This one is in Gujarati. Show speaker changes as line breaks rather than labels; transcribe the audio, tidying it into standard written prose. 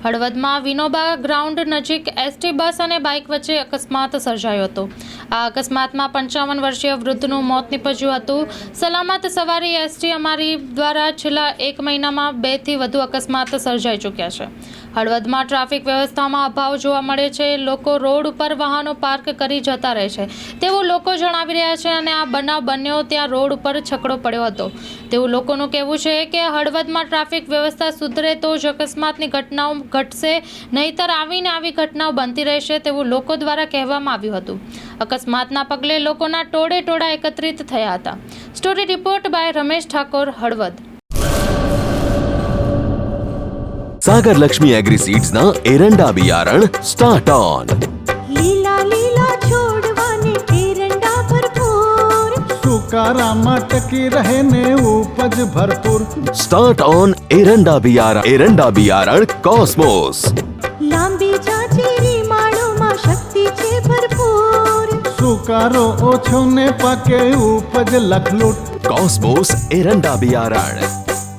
હળવદમાં વિનોબા ગ્રાઉન્ડ નજીક એસટી બસ અને બાઇક વચ્ચે અકસ્માત સર્જાયો હતો। આ અકસ્માતમાં 55 વર્ષીય વૃદ્ધનું મોત નીપજ્યું હતું। સલામત સવારી એસટી અમારી દ્વારા છેલ્લા 1 મહિનામાં 2 થી વધુ અકસ્માત સર્જાઈ ચૂક્યા છે। હળવદમાં ટ્રાફિક વ્યવસ્થામાં અભાવ જોવા મળે છે। લોકો રોડ ઉપર વાહનો પાર્ક કરી જતા રહે છે તેવું લોકો જણાવી રહ્યા છે અને આ બનાવ બન્યો ત્યાં રોડ ઉપર છકડો પડ્યો હતો તેવું લોકોનું કહેવું છે કે હળવદમાં ટ્રાફિક વ્યવસ્થા સુધરે તો જ અકસ્માતની ઘટનાઓ ઘટશે, નહીતર આવીને આવી ઘટનાઓ બનતી રહેશે તેવું લોકો દ્વારા કહેવામાં આવ્યું હતું। અકસ્માતના પગલે લોકોના ટોળે ટોળા એકત્રિત થયા હતા। Story report by Ramesh Thakor, Halvad.
Sagar Lakshmi agriseeds ना एरंडा बियारण स्टार्ट ऑन।
લીલા લીલા છોડવાને એરંડા ભરપૂર,
સુકારામાં ટકી રહે ને ઉપજ ભરપૂર।
स्टार्ट ऑन एरंडा बियारण कॉस्मोस।
લાંબી જાચેરી માળોમાં શક્તિ છે ભરપૂર,
સુકારો ઓછો ને પાકે ઉપજ લખલૂટ।
कॉस्मोस एरंडा बियारण।